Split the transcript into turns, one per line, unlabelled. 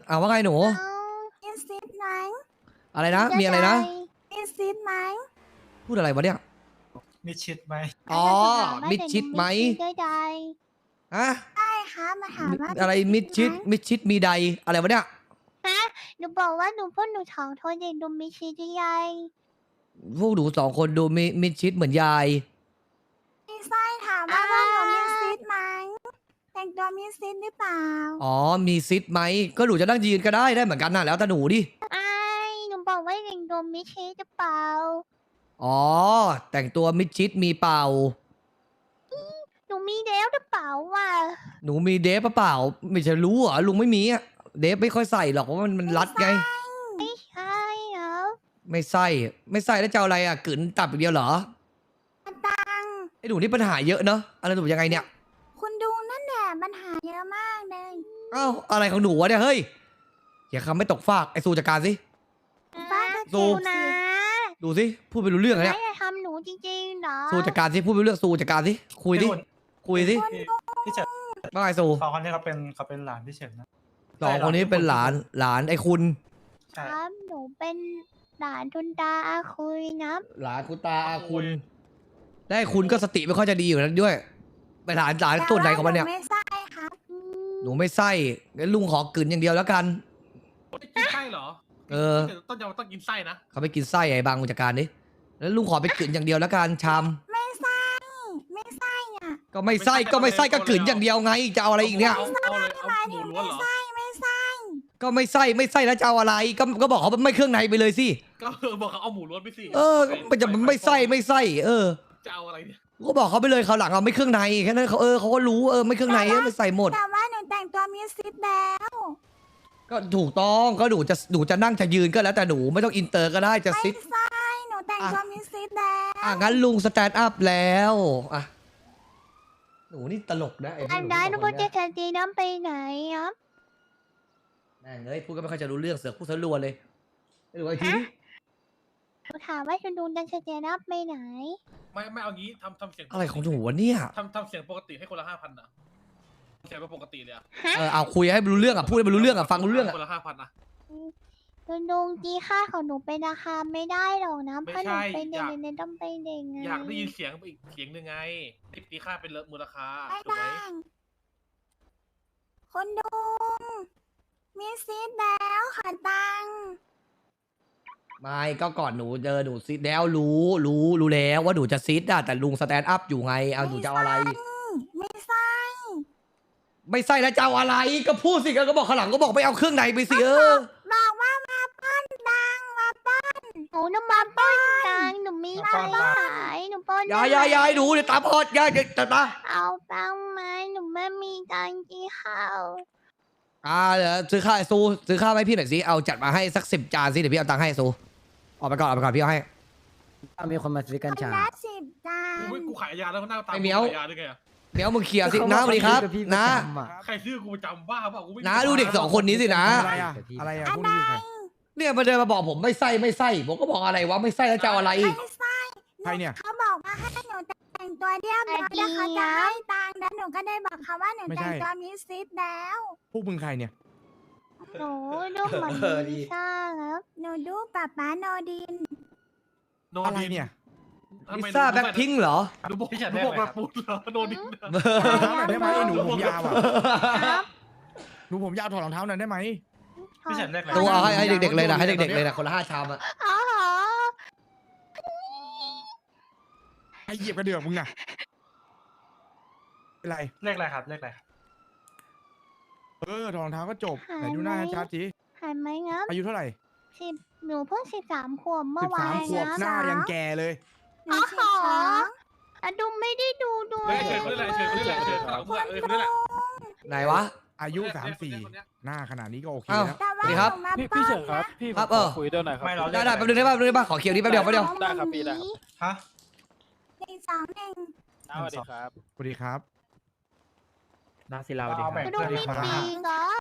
เอาว่าไงหนู
มีซีดไหม
อะไรนะมีอะไรนะ
มีซีดไหม
พูดอะไรวะเนี่ย
มิดชิดไหม
อ๋อมิดชิดไหมฮะ
ใช่ค่ะมาถามว่า
อะไรมิดชิดมีใดอะไรวะเนี่ย
ฮะหนูบอกว่าหนูพ่นหนูท้องโทษเด็กดูมีชีดใหญ่
พวกหนูสองคนดูมิดชิดเหมือนยาย
มีไส้ถามว่าพ่นหนูมีซีดไหมแต่งตัวมีซีดหรือเปล่า
อ๋อมีซิดไหมก็หนูจะนั่งยืนก็ได้เหมือนกันน่ะแล้วแต่หนูดิ
ไอ้หนูบอกว่าเด็กดูมีชีดหรือเปล่า
อ๋อแต่งตัวมิดชิดมีเป่า
หนูมีแล้วหรือเปล่าวะ
หนูมีเดฟเปล่าไม่ใช่รู้เหรอลุงไม่มีอะเดฟไม่ค่อยใส่หรอกเพราะมันรัดไง
ไม่ใช่เหรอ
ไม่ใส่แล้วจะเอาอะไรอะกลืนตับอย่างเดียวเหรอ
ตัง
ไอ้หนูนี่ปัญหาเยอะเนอะอะไรหนูยังไงเนี่ย
คุณดูนั่นแหละปัญหาเยอะมากเลย
เอ้าอะไรของหนูวะเนี่ยเฮ้ยอย่าคำไม่ตกฟากไอ้สู้จัดการสิสู้
นะ
ดูสิพูดไปรู้เรื่องอะเนี่ย
ไม่จะทำหนูจริงๆเหรอ
สู้จัดการสิพูดไปรู้เรื่องสู้จัดการสิคุยดิคุยสิ
พี่เฉิด
ว่าไงสู้
สองคนนี้เขาเป็นหลานพี่เฉิดนะ
สองคนนี้เป็นหลานไอ้คุณ
ค
ใช่
รับหนูเป็นหลานทุนตาอาคุยนะ
หลานคุณตาอาคุณและไอ้คุณก็สติไม่ค่อยจะดีอยู่นั้นด้วยไปหลานตัวไหนของมันเนี่ย
ไม่ใช่ครับ
หนูไม่ไส้งั้นลุงขอกลืนอย่างเดียวแล้วกัน
กินไส้เหรอ
เออ
ต้องกินไส้นะ
เขาไปกินไส้ไอ้บางจัดการดิแล้วลุงขอไปกลืนอย่างเดียวแล้วกันชาม
ไม่ใช่ไม่ใช่อ่ะ
ก็ไม่ไส้ก็กลืนอย่างเดียวไงจะเอาอะไรอีกเนี่ย
เอาเลยเอาหมูล้วนเหรอ
ไม่ใช่
ก็ไม่ไส้แล้วจะเอาอะไรก็บอกเขาไม่เครื่องในไปเลยสิ
ก็บอกเขาเอาหมูล้วนไปสิ
เออมันจะไม่ไส้เออ
จะเอาอะไรเนี่ย
ก็บอกเขาไปเลยเขาวหลังเอาไม่เครื่องในแค่นั้นเขาก็รู้ไม่เครื่องในไม่ใส่หมด
แต่ว่าหนูแต่งตัวมีซิดแล้ว
ก็ถูกต้องก็หนูจะนั่งจะยืนก็แล้วแต่หนูไม่ต้องอินเตอร์ก็ได้จะ
ไม่
ซิด
ใช่หนูแต่งตัวมีซิดแล้ว
งั้นลุงสแตนด์อัพแล้วอ่ะหนูนี่ตลกนะไอ้พว
อั
ก
น
หนู
นั้นหนู
สอง
พู
ค
ด
น
จะ
เนี่ย
ทันทีน้ำไปไหนครับ
แม่งเอ้ยพูดก็ไม่ค่อยจะรู้เรื่องเสือกพูดซะรัวเลยไม่รู้ไอ้ทีนี้
หนูถามว่าคุณดูดันเจน้ำไปไหน
ไม่เอางี้ทำเสียง
อะไรของหนูวะเนี่ย
ทำเสียงปกติให้คนละ5,000นะเสียงเป็นปกติเลยอะ
เอาคุยให้รู้เรื่องพูดให้รู้เรื่องฟังรู้เรื่อง
คนละ5,000นะ
คุณลุงตีค่าของหนูเป็นราคาไม่ได้หรอกนะเพราะหนูเป็นเด็กในต้องเป็นเด็กไง
อยากได้ยินเสียงอีกเสียงหนึ่งไงตีค่าเป็นมูลค่า
ไม่
ถูกไหม
ได้คุณลุงมีซีดแล้วขอตังค์
ไม่ก็ก่อนหนูเจอหนูซิดแล้วรู้แล้วว่าหนูจะซิดอะแต่ลุงสแตนด์อัพอยู่ไงเอาหนูจะเอาอะไร
ไม่ใช่
ไม่ใส่แล้วจะเอาอะไรก็พูดสิก็บอกข้างหลังก็บอกไปเอาเครื่องในไปสิ
บอกว่ามาป้อนตังค์มาป้อนหนูน้ำมาป้อนตังค์หนูมีตังค์ขายหนูป้อน
ยายหนูเดี๋ยวตาพอดยายเดี๋ยวตา
เอาตังค์มาหนูไม่มีตังค์กินข้าว
เดี๋ยวซื้อข้าวซูซื้อข้าวให้พี่หน่อยสิเอาจัดมาให้สัก10 จานสิเดี๋ยวพี่เอาตังค์ให้ซูออกไปก่อนพี่เอาให้
มีคนมาซื้อกัญชา
คนละ10 จาน
กูขายยาแล้วหน้าตา
ไอ้เหมียว
ขายยาด้วยไงอะ
เดี๋ยวมึงเคลียร์สินะสวัสดีครับนะ
ใครซื้อกูประจำบ้าเปล่ากูไม่
นะดูเด็ก2 คนนี้สินะ
อะไรอะพวกนี้คือใคร
เนี่ยมาเดินมาบอกผมไม่ใส่ผมก็บอกอะไรวะไม่ใส่แล้วจะเอาอะไร
ไม่ใช่
ใครเนี่ย
เขาบอกว่าให้หนูแต่งตัวเรียบร้อยแล้วเขาจะให้ตังค์แล้วหนูก็ได้บอกเขาว่าหนู
ไม่ใช่
แต่งตัวมีซิดแล้ว
พวกมึงใครเนี่ย
หนูดูเหมือน
ดี
ลิซ่าครับหนูดูป๊าป๊าโนดิน
โน
อะไร
ดิน
เนี่ย
ลิซ่าแบ็คพิงค์เหรอ
ดูบอกดูบอกแบบปุ๊บเหรอโนดิน
ถอดรองเท้าหน่อยได้ไหมไอ้หนูผมยาวอ่ะ
ครับ
หนูผมยาวถอดรองเท้าหน่อยได้ไหม
พี่เฉิดเลขอะไร
ตัวเอาให้เด็กๆเลยนะให้เด็กๆเลยนะคนละ5 ชามอะ
อ๋อเหรอ
ให้เหยียบกระเดื่องมึงน่ะเป็นไร
เลขอะไรครับเลขอะไร
ถอดรองเท้าก็จบไหนดูหน้าชัดๆสิ
หายไหมครับ
อายุเท่าไหร่
หนูเพิ่ง13 ขวบเมื่อวาน
13 ขวบหน้ายังแก่เลย
หนู12อะดูไม่ได้ดูด้ว
เฮ้
ย
ยเชิญคนนี้แหละเชิญคนนี้แหละเชิญคนนี้แหละ
ไหนวะ
อายุ 34 หน้าขนาดนี้ก็โอเค
อ้าว
แล้ว
แต่
สวั
ว่า
สดีครับ
หนูมา
พี่เฉินครับ พี่
ครับ
ผมขอคุยด้วยหน่อยครับ
ไม่เรา
ได้แป๊บนึงได้ป่ะขอเคียวนี้แป๊บเดียว
ได้ครับพี่ได้ครับ
ฮะ
1 2 1
สวัสดีครับ
สวัสดีครับ
นาศิลาดีครับ
ดูมีปีกเหรอ